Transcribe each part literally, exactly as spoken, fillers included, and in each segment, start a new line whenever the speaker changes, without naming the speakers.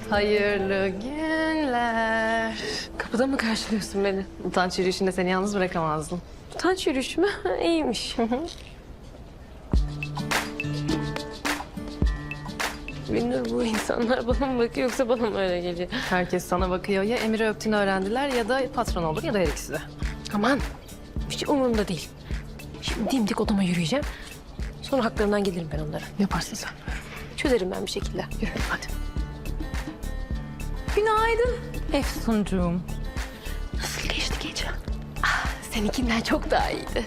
Hayırlı günler.
Kapıda mı karşılıyorsun beni?
Utanç yürüyüşünde seni yalnız bırakamazdım.
Utanç yürüyüşü mü? İyiymiş. Binnur, bu insanlar bana mı bakıyor yoksa bana mı öyle geliyor?
Herkes sana bakıyor. Ya Emir'i öptüğünü öğrendiler ya da patron olur ya da her ikisi de.
Aman, hiç umurumda değil. Şimdi dimdik odama yürüyeceğim. Sonra haklarından gelirim ben onlara.
Yaparsın sen.
Çözerim ben bir şekilde.
Yürü hadi.
Günaydın.
Efsuncuğum.
Nasıl geçti gece? Ah, seninkinden çok daha iyiydi.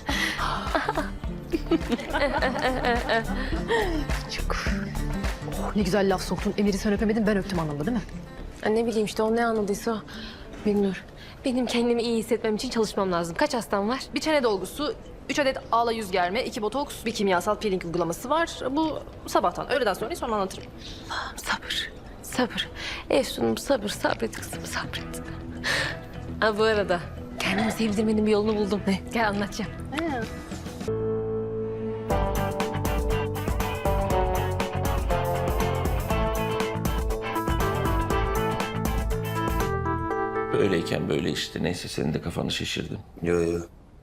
Çok. Oh, ne güzel laf soktun. Emir'i sen öpemedin, ben öptüm anlamda değil mi?
Ya ne bileyim işte, o ne anladıysa o. Binnur, benim kendimi iyi hissetmem için çalışmam lazım. Kaç hastam var?
Bir çene dolgusu, üç adet ağla yüz germe, iki botoks, bir kimyasal peeling uygulaması var. Bu sabahtan, öğleden sonra sonra anlatırım.
Sabır, sabır. Efsun'um sabır, sabret kızım, sabret. Ha bu arada kendimi sevdirmenin bir yolunu buldum. Ne? Gel anlatacağım.
Böyleyken böyle işte. Neyse senin de kafanı şişirdim.
Yo yo.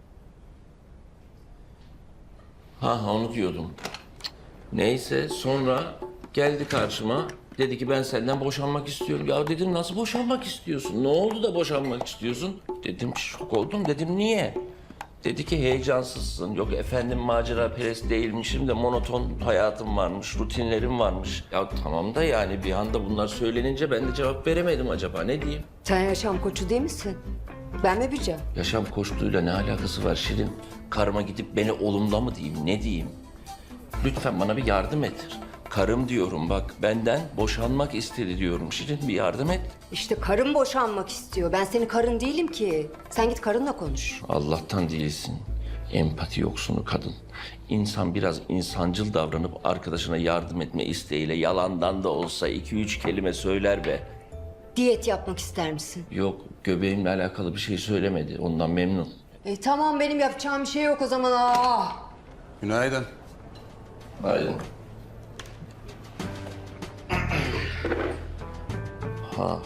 Ha onu diyordum. Neyse sonra geldi karşıma. Dedi ki ben senden boşanmak istiyorum. Ya dedim nasıl boşanmak istiyorsun? Ne oldu da boşanmak istiyorsun? Dedim şok oldum. Dedim niye? Dedi ki heyecansızsın. Yok efendim macera perest değilmişim de monoton hayatım varmış, rutinlerim varmış. Ya tamam da yani bir anda bunlar söylenince ben de cevap veremedim acaba ne diyeyim?
Sen yaşam koçu değil misin? Ben mi bileceğim?
Yaşam koçluğuyla ne alakası var Şirin? Karıma gidip beni olumla mı diyeyim, ne diyeyim? Lütfen bana bir yardım et. Karım diyorum bak, benden boşanmak istedi diyorum. Şirin bir yardım et.
İşte karın boşanmak istiyor. Ben senin karın değilim ki. Sen git karınla konuş.
Allah'tan değilsin. Empati yoksunu kadın. İnsan biraz insancıl davranıp arkadaşına yardım etme isteğiyle yalandan da olsa iki üç kelime söyler be.
Diyet yapmak ister misin?
Yok, göbeğimle alakalı bir şey söylemedi. Ondan memnun.
E tamam, benim yapacağım bir şey yok o zaman. Aa!
Günaydın.
Aynen. Ha.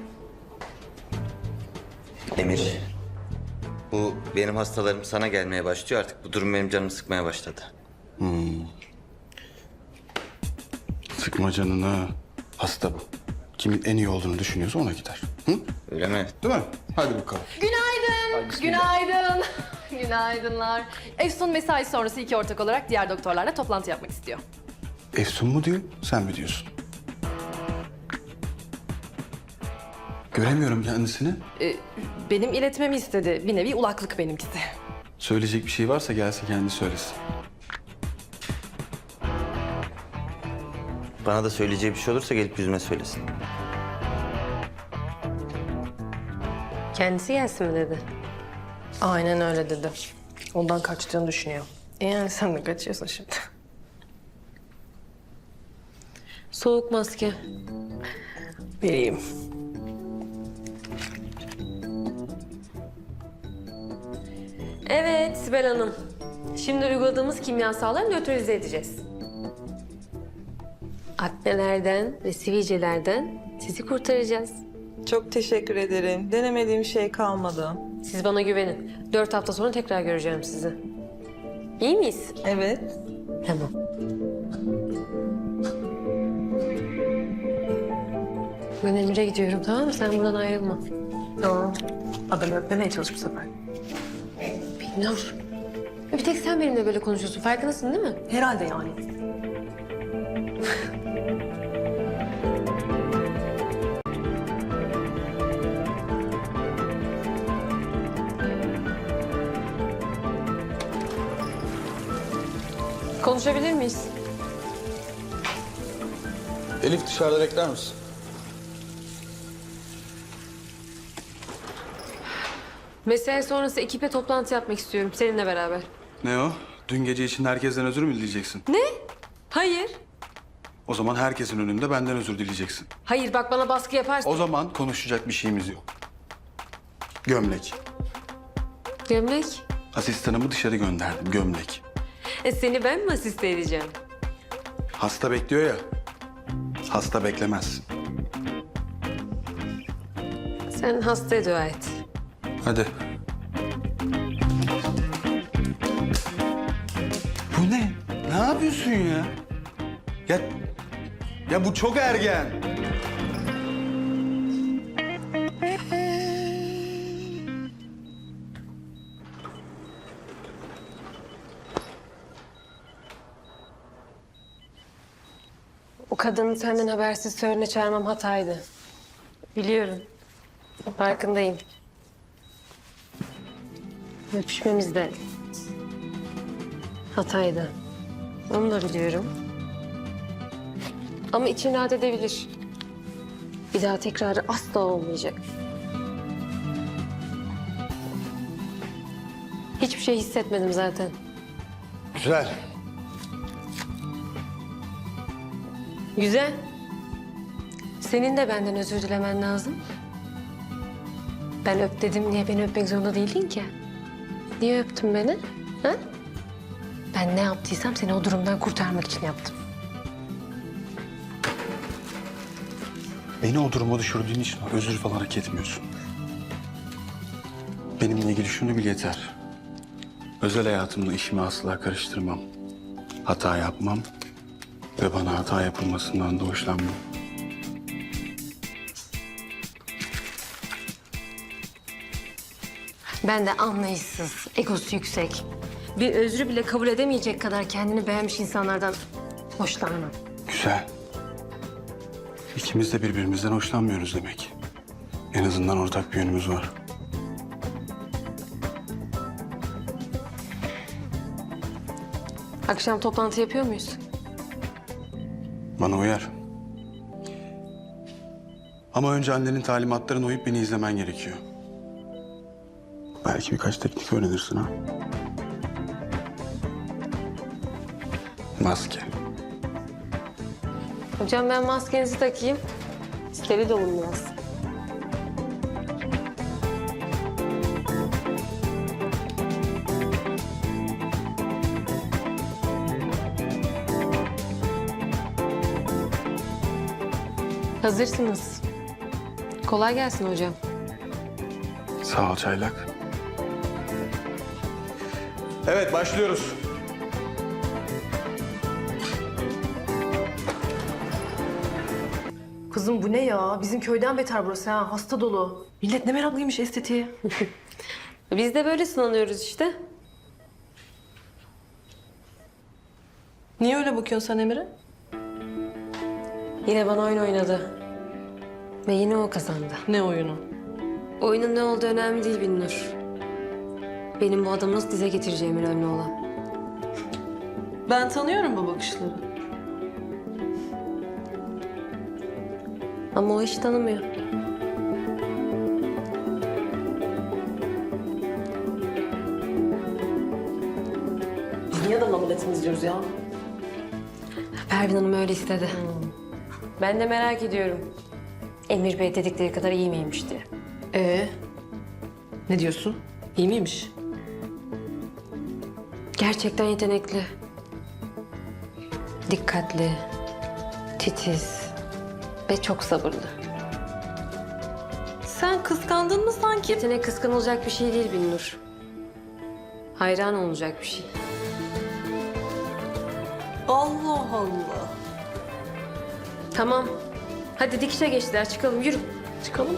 Emir. Bu benim hastalarım sana gelmeye başlıyor artık. Bu durum benim canımı sıkmaya başladı.
Sıkma canını. Hasta bu. Kimin en iyi olduğunu düşünüyorsa ona gider. Hı?
Öyle mi?
Değil mi? Hadi bakalım.
Günaydın. Günaydın. Günaydınlar. Efsun mesai sonrası iki ortak olarak diğer doktorlarla toplantı yapmak istiyor.
Efsun mu diyor, sen mi diyorsun? Göremiyorum kendisini.
Ee, benim iletmemi istedi. Bir nevi ulaklık benimkisi.
Söyleyecek bir şey varsa gelsin kendi söylesin.
Bana da söyleyeceği bir şey olursa gelip yüzüme söylesin.
Kendisi gelsin mi dedi?
Aynen öyle dedi. Ondan kaçtığını düşünüyor. E yani sen de kaçıyorsun şimdi.
Soğuk maske.
Vereyim.
Evet Sibel Hanım. Şimdi uyguladığımız kimyasalları nötralize edeceğiz. Aknelerden ve sivilcelerden sizi kurtaracağız.
Çok teşekkür ederim. Denemediğim şey kalmadı.
Siz bana güvenin. Dört hafta sonra tekrar göreceğim sizi. İyi miyiz?
Evet.
Tamam. Ben Emir'e gidiyorum, tamam mı? Sen buradan ayrılma.
Tamam. Adamı öpmemeye çalış bu sefer.
Binnur. Bir tek sen benimle böyle konuşuyorsun. Farkındasın değil mi?
Herhalde yani.
Konuşabilir miyiz?
Elif dışarıda bekler misin?
Mesai sonrası ekiple toplantı yapmak istiyorum seninle beraber.
Ne o? Dün gece için herkesten özür mü dileyeceksin?
Ne? Hayır.
O zaman herkesin önünde benden özür dileyeceksin.
Hayır bak, bana baskı yaparsın.
O zaman konuşacak bir şeyimiz yok. Gömlek.
Gömlek.
Asistanımı dışarı gönderdim, gömlek.
E, seni ben mi asiste edeceğim?
Hasta bekliyor ya. Hasta beklemez.
Sen hastaya dua et.
Hadi. Bu ne? Ne yapıyorsun ya? Ya, ya bu çok ergen.
O kadını senden habersiz törene çağırmam hataydı. Biliyorum. Farkındayım. Öpüşmemiz de hataydı. Onu da biliyorum. Ama için rahat edebilir. Bir daha tekrarı asla olmayacak. Hiçbir şey hissetmedim zaten.
Güzel.
Güzel. Senin de benden özür dilemen lazım. Ben öp dedim diye beni öpmek zorunda değildin ki. Niye öptün beni? Ha? Ben ne yaptıysam seni o durumdan kurtarmak için yaptım.
Beni o duruma düşürdüğün için özür falan hak etmiyorsun. Benimle ilgili şunu bil yeter. Özel hayatımla işimi asla karıştırmam. Hata yapmam ve bana hata yapılmasından da hoşlanmam.
Ben de anlayışsız, egosu yüksek. Bir özrü bile kabul edemeyecek kadar kendini beğenmiş insanlardan hoşlanmam.
Güzel. İkimiz de birbirimizden hoşlanmıyoruz demek. En azından ortak bir yönümüz var.
Akşam toplantı yapıyor muyuz?
Bana uyar. Ama önce annenin talimatlarına uyup beni izlemen gerekiyor. Belki birkaç teknik öğrenirsin ha. Maske.
Hocam ben maskenizi takayım. Steril olun biraz. Hazırsınız. Kolay gelsin hocam.
Sağ ol Çaylak. Evet, başlıyoruz.
Kızım bu ne ya? Bizim köyden beter burası ha. Hasta dolu. Millet ne meraklıymış estetiğe.
Biz de böyle sınanıyoruz işte.
Niye öyle bakıyorsun sen Emir'e?
Yine bana oyun oynadı. Ve yine o kazandı.
Ne oyunu?
Oyunun ne olduğu önemli değil Binnur. Benim bu adamı nasıl dize getireceğim önemli olan.
Ben tanıyorum bu bakışları.
Ama o hiç tanımıyor.
Biz niye adamla milletini izliyoruz ya?
Pervin Hanım öyle istedi. Ben de merak ediyorum. Emir Bey dedikleri kadar iyi miymiş diye.
Ee, ne diyorsun? İyi miymiş?
Gerçekten yetenekli. Dikkatli, titiz ve çok sabırlı.
Sen kıskandın mı sanki?
Yetenek kıskanılacak bir şey değil Binnur. Hayran olacak bir şey.
Allah Allah.
Tamam. Hadi dikişe geçtiler. Çıkalım. Yürü.
Çıkalım.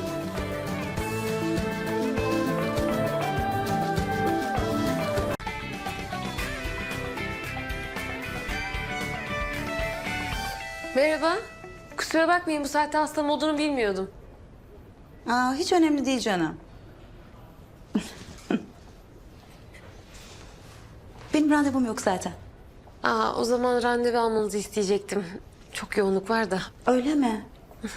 Merhaba. Kusura bakmayın bu saatte hastam olduğunu bilmiyordum.
Aa, hiç önemli değil canım. Benim randevum yok zaten.
Aa, o zaman randevu almanızı isteyecektim. Çok yoğunluk var da.
Öyle mi?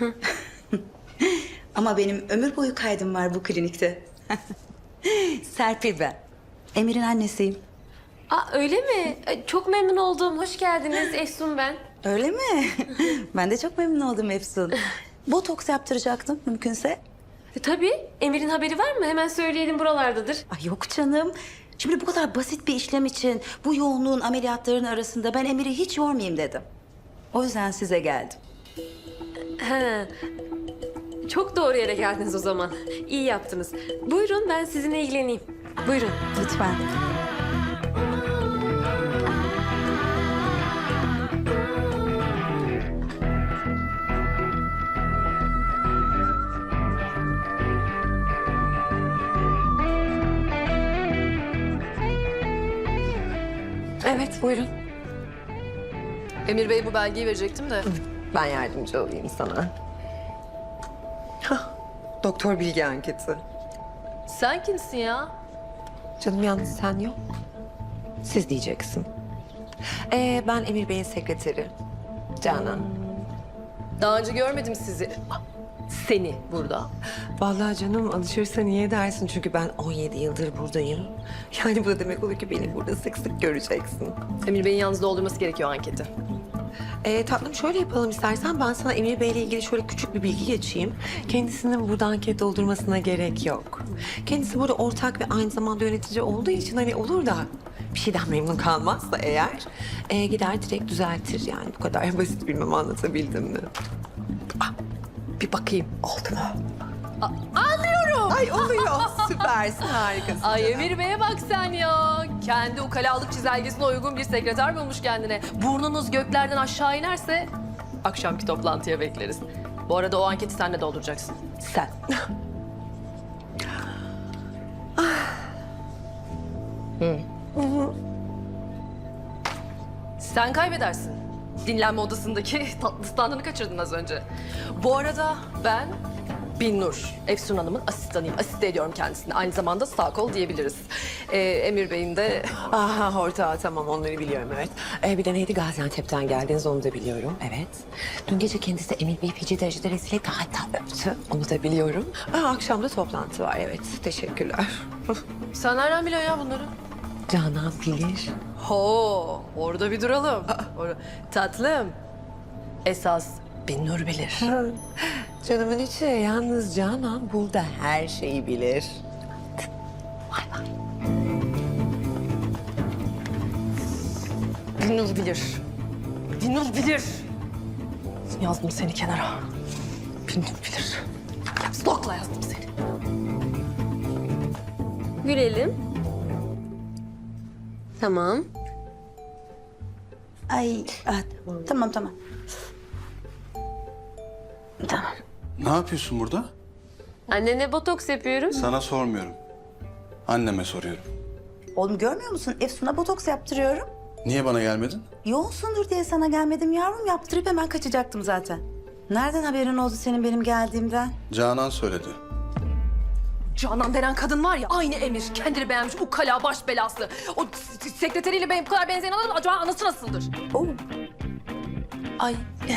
Ama benim ömür boyu kaydım var bu klinikte. Serpil ben. Emir'in annesiyim.
Aa, öyle mi? Ay, çok memnun oldum. Hoş geldiniz. Efsun ben.
Öyle mi? Ben de çok memnun oldum Efsun. Botoks yaptıracaktım mümkünse.
E, tabii. Emir'in haberi var mı? Hemen söyleyelim buralardadır.
Ay yok canım. Şimdi bu kadar basit bir işlem için bu yoğunluğun ameliyatların arasında ben Emir'i hiç yormayayım dedim. O yüzden size geldim.
He. Çok doğru yere geldiniz o zaman. İyi yaptınız. Buyurun ben sizinle ilgileneyim. Buyurun.
Lütfen.
Evet buyurun.
Emir Bey bu belgeyi verecektim de.
Ben yardımcı olayım sana. Hah, doktor bilgi anketi.
Sen kimsin ya?
Canım yalnız sen yok. Siz diyeceksin. Ee, ben Emir Bey'in sekreteri. Canan.
Daha önce görmedim sizi. Seni burada.
Vallahi canım alışırsan iyi edersin çünkü ben on yedi yıldır buradayım. Yani bu da demek olur ki beni burada sık sık göreceksin.
Emir Bey'in yalnız doldurması gerekiyor anketi.
Ee, tatlım şöyle yapalım istersen ben sana Emir Bey'le ilgili şöyle küçük bir bilgi geçeyim. Kendisinin burada anket doldurmasına gerek yok. Kendisi burada ortak ve aynı zamanda yönetici olduğu için hani olur da bir şeyden memnun kalmazsa eğer e, gider direkt düzeltir yani bu kadar basit bilmem anlatabildim mi? Ah, bir bakayım oldu mu?
Anlıyorum.
Ay oluyor süpersin harikasın.
Ay
canım.
Emir Bey'e bak sen ya. Kendi ukalalık çizelgesine uygun bir sekreter bulmuş kendine. Burnunuz göklerden aşağı inerse akşamki toplantıya bekleriz. Bu arada o anketi sen de dolduracaksın.
Sen.
Sen kaybedersin. Dinlenme odasındaki tatlı standını kaçırdın az önce. Bu arada ben Binnur, Efsun Hanım'ın asistanıyım. Asiste ediyorum kendisini. Aynı zamanda sağ kol diyebiliriz. Ee, Emir Bey'in de...
Aha ortağı tamam onları biliyorum evet. Ee, bir de neydi Gaziantep'ten geldiniz onu da biliyorum evet. Dün gece kendisi Emir Bey feci derecede rezil etti hatta öptü onu da biliyorum. Aa, akşam da toplantı var evet teşekkürler.
Sen nereden biliyorsun ya bunları?
Canan bilir.
Ho, orada bir duralım. Or- Tatlım, esas Binnur bilir.
Canımın içi yalnız Canan burada her şeyi bilir.
Binnur bilir. Binnur bilir. Yazdım seni kenara. Binnur bilir. Stokla yazdım seni.
Gülelim. Tamam.
Ay ah, tamam tamam. Tamam.
Ne yapıyorsun burada?
Annene botoks yapıyorum.
Sana sormuyorum. Anneme soruyorum.
Oğlum görmüyor musun? Efsun'a botoks yaptırıyorum.
Niye bana gelmedin?
Yoğunsundur diye sana gelmedim yavrum. Yaptırıp hemen kaçacaktım zaten. Nereden haberin oldu senin benim geldiğimden?
Canan söyledi.
Canan denen kadın var ya, aynı Emir. Kendini beğenmiş, ukala baş belası. O s- sekreteriyle benim bu kadar benzeyen adam acaba anası nasıldır?
Oo.
Ay.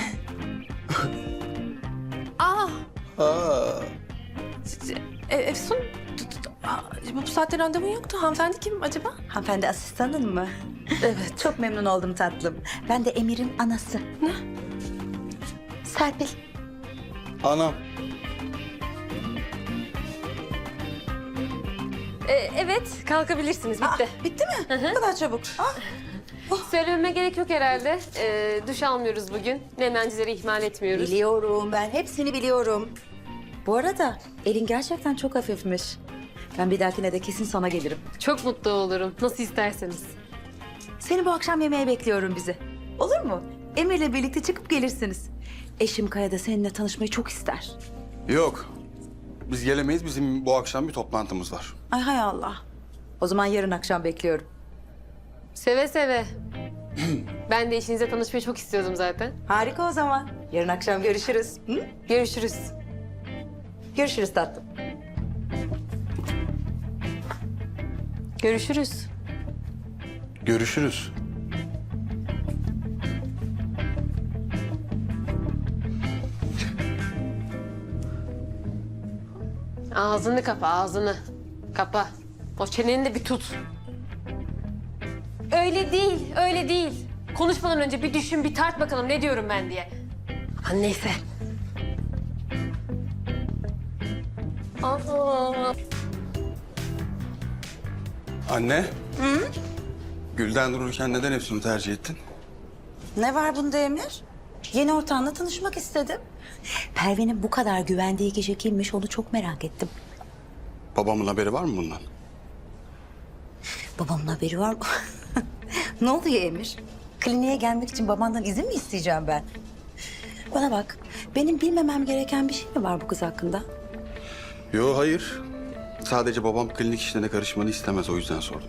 Aa.
Aa.
E, Efsun, t- t- aa, bu saatte randevun yoktu. Hanımefendi kim acaba?
Hanımefendi asistanın mı?
Evet.
Çok memnun oldum tatlım. Ben de Emir'in anası. Ne? Serpil.
Anam.
Ee, evet kalkabilirsiniz bitti.
Aa, bitti mi? Bu kadar çabuk. Ah.
Söylememe gerek yok herhalde. Ee, duş almıyoruz bugün. Nemlencileri ihmal etmiyoruz.
Biliyorum ben hepsini biliyorum. Bu arada elin gerçekten çok hafifmiş. Ben bir dahakine de kesin sana gelirim.
Çok mutlu olurum. Nasıl isterseniz.
Seni bu akşam yemeğe bekliyorum bizi. Olur mu? Emir'le birlikte çıkıp gelirsiniz. Eşim Kaya da seninle tanışmayı çok ister.
Yok. Biz gelemeyiz. Bizim bu akşam bir toplantımız var.
Ay hay Allah. O zaman yarın akşam bekliyorum.
Seve seve. Ben de eşinizle tanışmayı çok istiyordum zaten.
Harika o zaman. Yarın akşam görüşürüz. Hı?
Görüşürüz.
Görüşürüz tatlım.
Görüşürüz.
Görüşürüz.
Ağzını kapa, ağzını. Kapa. O çeneni de bir tut. Öyle değil, öyle değil. Konuşmadan önce bir düşün, bir tart bakalım ne diyorum ben diye. Aman neyse. Aa.
Anne. Gülden dururken neden Efsun'u tercih ettin?
Ne var bunda Emir? Yeni ortağınla tanışmak istedim. Pervin'in bu kadar güvendiği kişi kimmiş onu çok merak ettim.
Babamın haberi var mı bundan?
Babamın haberi var mı? Ne oluyor Emir? Kliniğe gelmek için babandan izin mi isteyeceğim ben? Bana bak, benim bilmemem gereken bir şey mi var bu kız hakkında?
Yo, hayır. Sadece babam klinik işlerine karışmanı istemez, o yüzden sordum.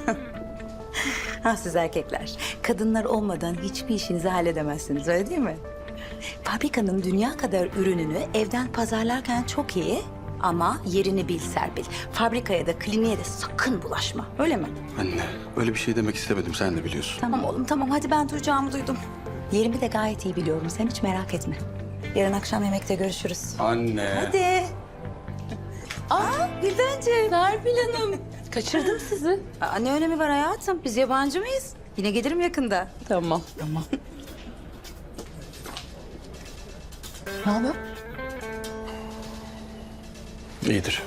Ha siz erkekler, kadınlar olmadan hiçbir işinizi halledemezsiniz, öyle değil mi? Fabrikanın dünya kadar ürününü evden pazarlarken çok iyi ama yerini bil Serpil. Fabrikaya da kliniğe de sakın bulaşma, öyle mi?
Anne, öyle bir şey demek istemedim, sen de biliyorsun.
Tamam oğlum tamam, hadi ben duyacağımı duydum. Yerimi de gayet iyi biliyorum, sen hiç merak etme. Yarın akşam yemekte görüşürüz.
Anne.
Hadi. Aa Güldenciğim.
Serpil Hanım. Kaçırdım sizi.
Aa, ne önemi var hayatım? Biz yabancı mıyız? Yine gelirim yakında. Tamam. Tamam.
Ne haber?
İyidir.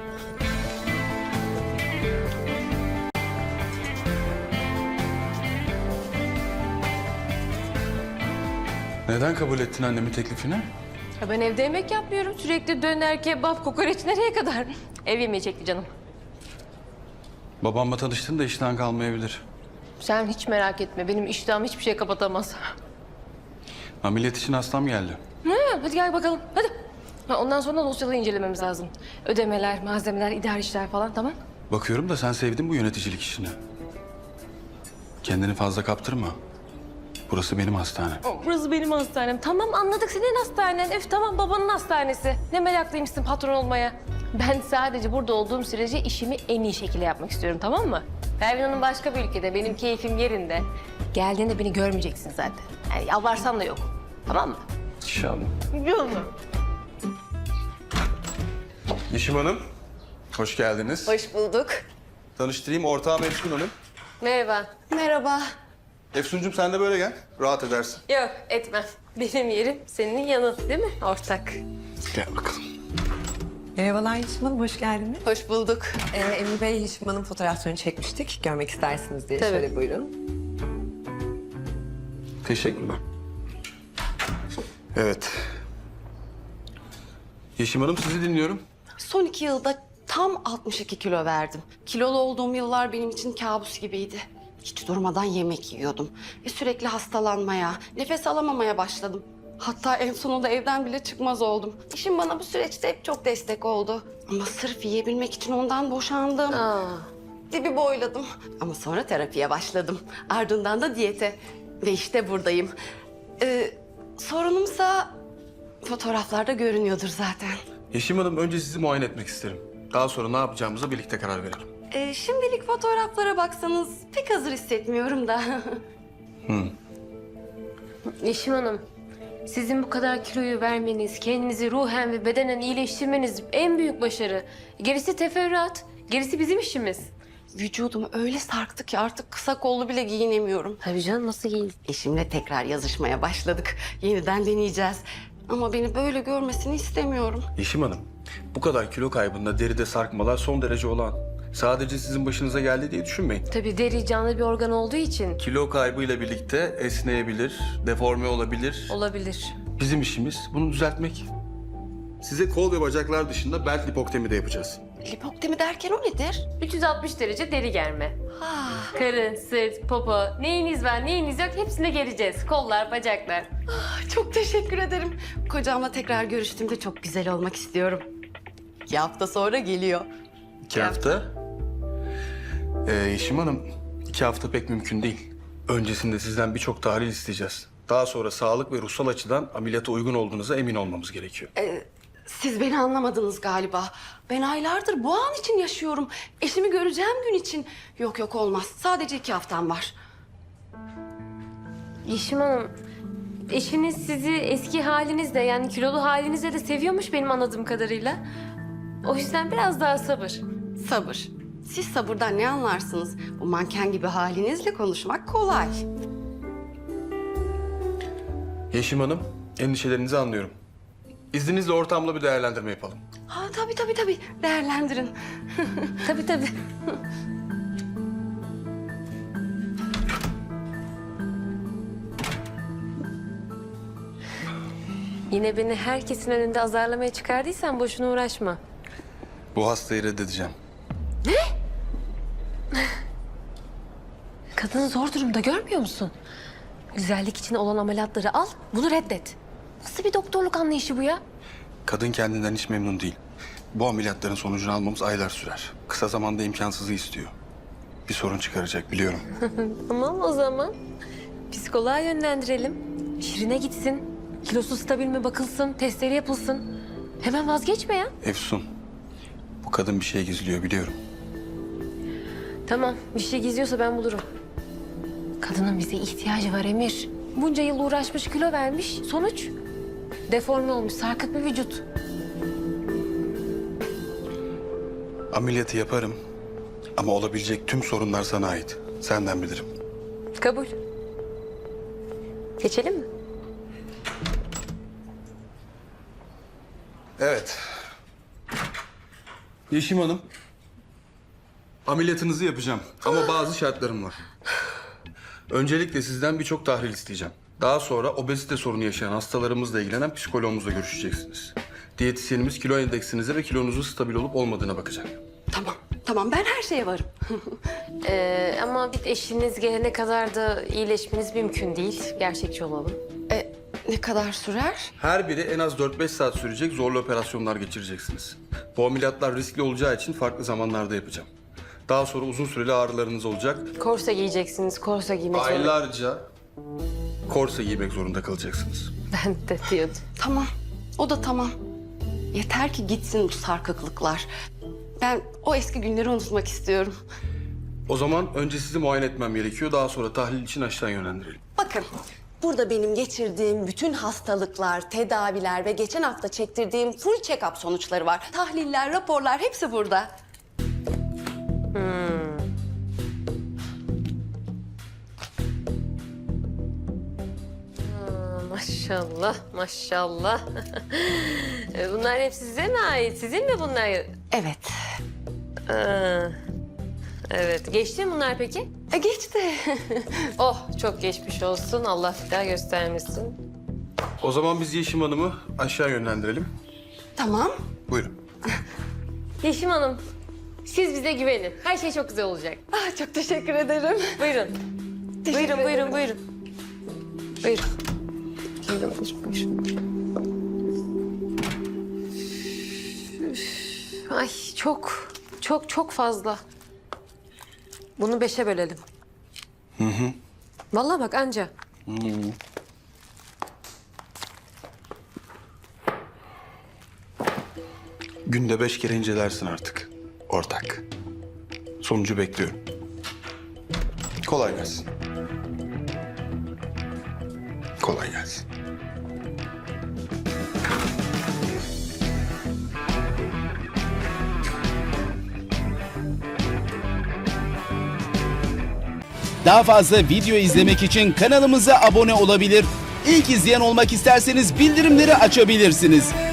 Neden kabul ettin annemin teklifini?
Ya ben evde yemek yapmıyorum. Sürekli döner, kebap, kokoreç nereye kadar? Ev yemeği çekti canım.
Babamla tanıştın da işten kalmayabilir.
Sen hiç merak etme. Benim iştahım hiçbir şey kapatamaz.
Ameliyat için hastam geldi.
Hı, hadi gel bakalım. Hadi. Ha, ondan sonra dosyaları incelememiz lazım. Ödemeler, malzemeler, idari işler falan, tamam.
Bakıyorum da sen sevdin bu yöneticilik işini. Kendini fazla kaptırma. Burası benim hastane.
Burası benim hastanem. Tamam anladık, senin hastanen. Öf tamam, babanın hastanesi. Ne meraklıymışsın patron olmaya. Ben sadece burada olduğum sürece işimi en iyi şekilde yapmak istiyorum, tamam mı? Pervin Hanım başka bir ülkede, benim keyfim yerinde. Geldiğinde beni görmeyeceksin zaten. Yani yalvarsam da yok. Tamam mı?
İnşallah.
Yok mu?
Yeşim Hanım, hoş geldiniz.
Hoş bulduk.
Tanıştırayım, ortağım Efsun Hanım.
Merhaba. Merhaba.
Efsuncuğum sen de böyle gel, rahat edersin.
Yok etmem. Benim yerim senin yanın değil mi ortak?
Gel bakalım.
Merhabalar Yeşim Hanım, hoş geldiniz.
Hoş bulduk.
Ee, Emre Bey, Yeşim Hanım fotoğraflarını çekmiştik. Görmek istersiniz diye.
Tabii.
Şöyle buyurun.
Teşekkürler. Evet. Yeşim Hanım sizi dinliyorum.
Son iki yılda tam altmış iki kilo verdim. Kilolu olduğum yıllar benim için kabus gibiydi. Hiç durmadan yemek yiyordum. Ve sürekli hastalanmaya, nefes alamamaya başladım. Hatta en sonunda evden bile çıkmaz oldum. Eşim bana bu süreçte hep çok destek oldu. Ama sırf yiyebilmek için ondan boşandım.
Aa.
Dibi boyladım. Ama sonra terapiye başladım. Ardından da diyete. Ve işte buradayım. Ee, sorunumsa fotoğraflarda görünüyordur zaten.
Yeşim Hanım önce sizi muayene etmek isterim. Daha sonra ne yapacağımıza birlikte karar verelim.
Ee, şimdilik fotoğraflara baksanız pek hazır hissetmiyorum da.
Yeşim Hanım, sizin bu kadar kiloyu vermeniz, kendinizi ruhen ve bedenen iyileştirmeniz en büyük başarı. Gerisi teferruat, gerisi bizim işimiz.
Vücudum öyle sarktı ki artık kısa kollu bile giyinemiyorum.
Tabii canım, nasıl giyin?
Eşimle tekrar yazışmaya başladık. Yeniden deneyeceğiz. Ama beni böyle görmesini istemiyorum.
Yeşim Hanım, bu kadar kilo kaybında deride sarkmalar son derece olağan. Sadece sizin başınıza geldi diye düşünmeyin.
Tabii deri canlı bir organ olduğu için
Kilo kaybıyla birlikte esneyebilir, deforme olabilir.
olabilir.
Bizim işimiz bunu düzeltmek. Size kol ve bacaklar dışında bel lipoktemi de yapacağız.
Lipoktemi derken o nedir?
üç yüz altmış derece deri germe.
Ah,
Karın, sırt, popo, neyiniz var neyiniz yok hepsine geleceğiz. Kollar, bacaklar.
çok teşekkür ederim. Kocamla tekrar görüştüğümde çok güzel olmak istiyorum. İki hafta sonra geliyor.
İki hafta. Ee, Yeşim Hanım, iki hafta pek mümkün değil. Öncesinde sizden birçok tahlil isteyeceğiz. Daha sonra sağlık ve ruhsal açıdan ameliyata uygun olduğunuza emin olmamız gerekiyor.
Siz beni anlamadınız galiba. Ben aylardır bu an için yaşıyorum. Eşimi göreceğim gün için. Yok yok olmaz. Sadece iki haftam var.
Yeşim Hanım, eşiniz sizi eski halinizde yani kilolu halinizde de seviyormuş benim anladığım kadarıyla. O yüzden biraz daha sabır.
Sabır. Siz sabırdan ne anlarsınız? Bu manken gibi halinizle konuşmak kolay.
Yeşim Hanım, endişelerinizi anlıyorum. İzninizle ortamla bir değerlendirme yapalım.
Ha tabii tabii tabii. Değerlendirin.
Tabii tabii. Yine beni herkesin önünde azarlamaya çıkardıysan boşuna uğraşma.
Bu hastayı reddedeceğim.
Kadın zor durumda görmüyor musun? Güzellik için olan ameliyatları al, bunu reddet. Nasıl bir doktorluk anlayışı bu ya?
Kadın kendinden hiç memnun değil. Bu ameliyatların sonucunu almamız aylar sürer. Kısa zamanda imkansızı istiyor. Bir sorun çıkaracak biliyorum.
Tamam o zaman. Psikoloğa yönlendirelim. Şirine gitsin. Kilosu stabil mi bakılsın, testleri yapılsın. Hemen vazgeçme ya.
Efsun, bu kadın bir şey gizliyor biliyorum.
Tamam, bir şey gizliyorsa ben bulurum. Kadının bize ihtiyacı var Emir. Bunca yıl uğraşmış, kilo vermiş. Sonuç? Deforme olmuş, sarkık bir vücut.
Ameliyatı yaparım ama olabilecek tüm sorunlar sana ait. Senden bilirim.
Kabul. Geçelim mi?
Evet. Yeşim Hanım, ameliyatınızı yapacağım ama bazı şartlarım var. Öncelikle sizden birçok tahlil isteyeceğim. Daha sonra obezite sorunu yaşayan hastalarımızla ilgilenen psikoloğumuzla görüşeceksiniz. Diyetisyenimiz kilo endeksinize ve kilonuzun stabil olup olmadığına bakacak.
Tamam, tamam ben her şeye varım.
Ee, ama bir eşiniz gelene kadar da iyileşmeniz mümkün değil. Gerçekçi olalım.
E, ne kadar sürer?
Her biri en az dört beş saat sürecek zorlu operasyonlar geçireceksiniz. Bu ameliyatlar riskli olacağı için farklı zamanlarda yapacağım. Daha sonra uzun süreli ağrılarınız olacak.
Korse giyeceksiniz, korse giymek zorunda.
Aylarca korse giymek zorunda kalacaksınız.
Ben de diyordum.
Tamam, o da tamam. Yeter ki gitsin bu sarkıklıklar. Ben o eski günleri unutmak istiyorum.
O zaman önce sizi muayene etmem gerekiyor. Daha sonra tahlil için aşağı yönlendirelim.
Bakın, burada benim geçirdiğim bütün hastalıklar, tedaviler ve geçen hafta çektirdiğim full check-up sonuçları var. Tahliller, raporlar hepsi burada.
Maşallah, maşallah. E, bunlar hep size mi ait? Sizin mi bunlar?
Evet.
Aa, evet. Geçti mi bunlar peki?
E geçti.
Oh, çok geçmiş olsun. Allah bir daha göstermesin.
O zaman biz Yeşim Hanım'ı aşağı yönlendirelim.
Tamam.
Buyurun.
Yeşim Hanım, siz bize güvenin. Her şey çok güzel olacak.
Ah, çok teşekkür ederim.
Buyurun.
Teşekkür
Buyurun,
ederim.
buyurun, buyurun. Buyurun. Buyurun, buyurun, buyurun. Üf, ay çok, çok, çok fazla. Bunu beşe bölelim. Hı hı. Vallahi bak anca.
Hı. Günde beş kere incelersin artık. Ortak. Sonucu bekliyorum. Kolay gelsin. Kolay gelsin.
Daha fazla video izlemek için kanalımıza abone olabilir. İlk izleyen olmak isterseniz bildirimleri açabilirsiniz.